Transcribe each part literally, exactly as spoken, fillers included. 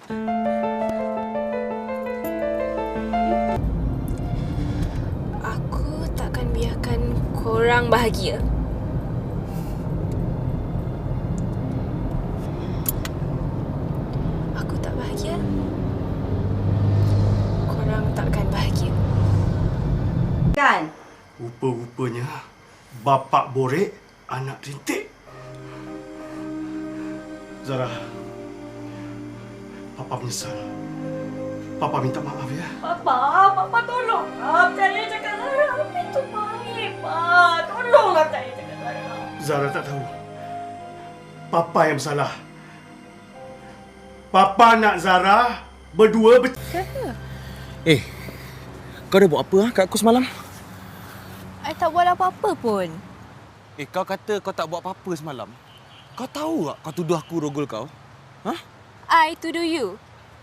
Aku takkan biarkan korang bahagia. Aku tak bahagia. Korang takkan bahagia. Kan? Rupa-rupanya bapak borek, anak rintik. Zara, Papa menyesal. Papa minta maaf ya. Papa, Papa tolong. Ah, saya cakap Zara. Itu baik, Pak. Tolonglah saya cakap Zara. Zara tak tahu. Papa yang bersalah. Papa nak Zara berdua ber... Eh, kau dah buat apa ha, kat aku semalam? I tak buat apa-apa pun. Eh, kau kata kau tak buat apa-apa semalam. Kau tahu tak kau tuduh aku rogol kau? Ha? I tuduh you.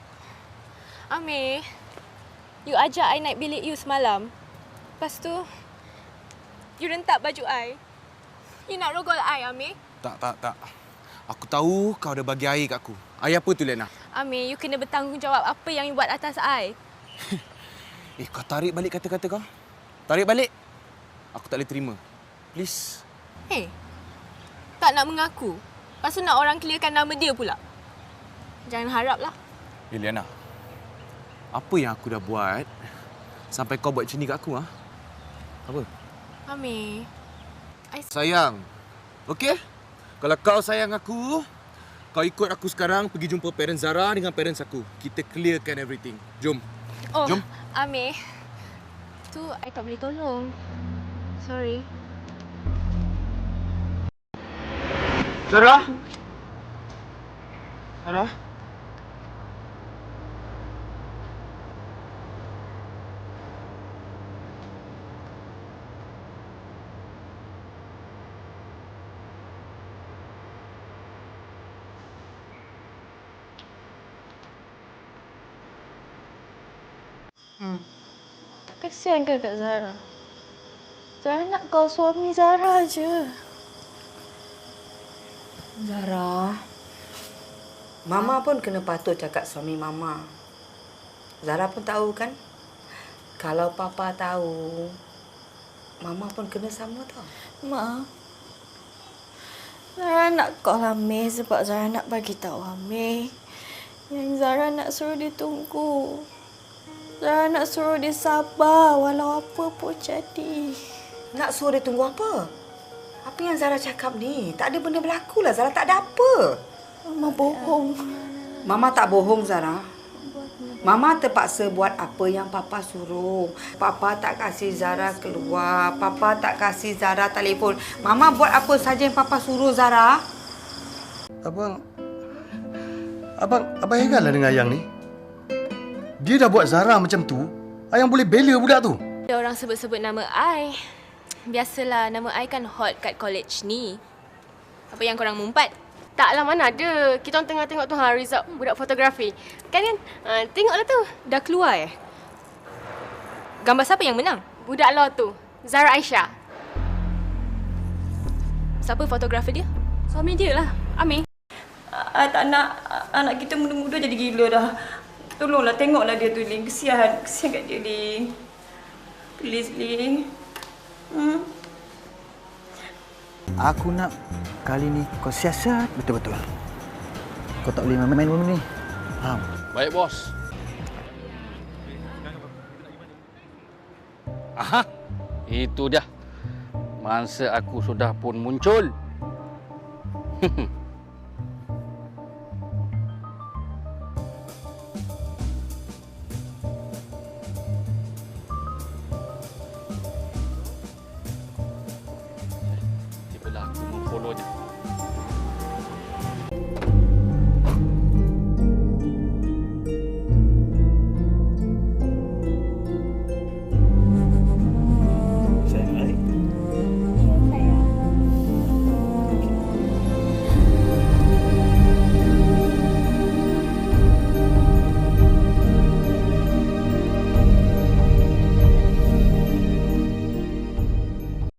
Amir, you ajak I naik bilik you semalam. Lepas tu, you rentak baju I. You nak rogol I, Amir? Tak, tak, tak. Aku tahu kau dah bagi air kat aku. Air apa tu, Lena? Amir, you kena bertanggungjawab apa yang you buat atas I. Eh, kau tarik balik kata-kata kau. Tarik balik. Aku tak boleh terima. Please. Hey, tak nak mengaku. Lepas tu nak orang clearkan nama dia pula. Jangan haraplah. Eh, Liana. Apa yang aku dah buat sampai kau buat macam ni kat aku, ha? Apa? Amir, I... Sayang. Okey? Kalau kau sayang aku, kau ikut aku sekarang pergi jumpa parents Zara dengan parents aku. Kita clearkan everything. Jom. Oh, Jom. Amir. Tu I tak boleh tolong. Sorry. Zara? Zara? Hmm. Kesian ke Kak Zara? Zara nak kau suami Zara je. Zara, Mama pun kena patut cakap suami Mama. Zara pun tahu kan? Kalau Papa tahu, Mama pun kena sama tau. Ma, Zara nak call Amir sebab Zara nak bagi tahu Amir yang Zara nak suruh dia tunggu. Zara nak suruh dia sabar walau apa pun jadi. Nak suruh dia tunggu apa? Apa yang Zara cakap ni? Tak ada benda berlaku lah. Zara tak ada apa. Mama bohong. Mama tak bohong, Zara. Mama terpaksa buat apa yang Papa suruh. Papa tak kasih Zara keluar. Papa tak kasih Zara telefon. Mama buat apa saja yang Papa suruh, Zara. Abang... Abang... Abang heran lah dengan Ayang ni. Dia dah buat Zara macam tu. Ayang boleh bela budak tu. Ada orang sebut-sebut nama I. Biasalah, nama I kan hot kat college ni. Apa yang korang mumpat? Taklah, mana ada. Kita orang tengah tengok tu ha, result budak fotografi. Kan kan? Ha, tengoklah tu. Dah keluar eh? Gambar siapa yang menang? Budak law tu. Zara Aisyah. Siapa fotografer dia? Suami dia lah. Amir. I tak nak anak kita muda-muda jadi gila dah. Tolonglah tengoklah dia tu, Lin. Kesian. Kesian kat dia, Lin. Please, Lin. Hmm? Aku nak kali ni kau siasat betul-betul. Kau tak boleh main-main benda ni. Faham? Baik, bos. Aha, itu dia. Mangsa aku sudah pun muncul.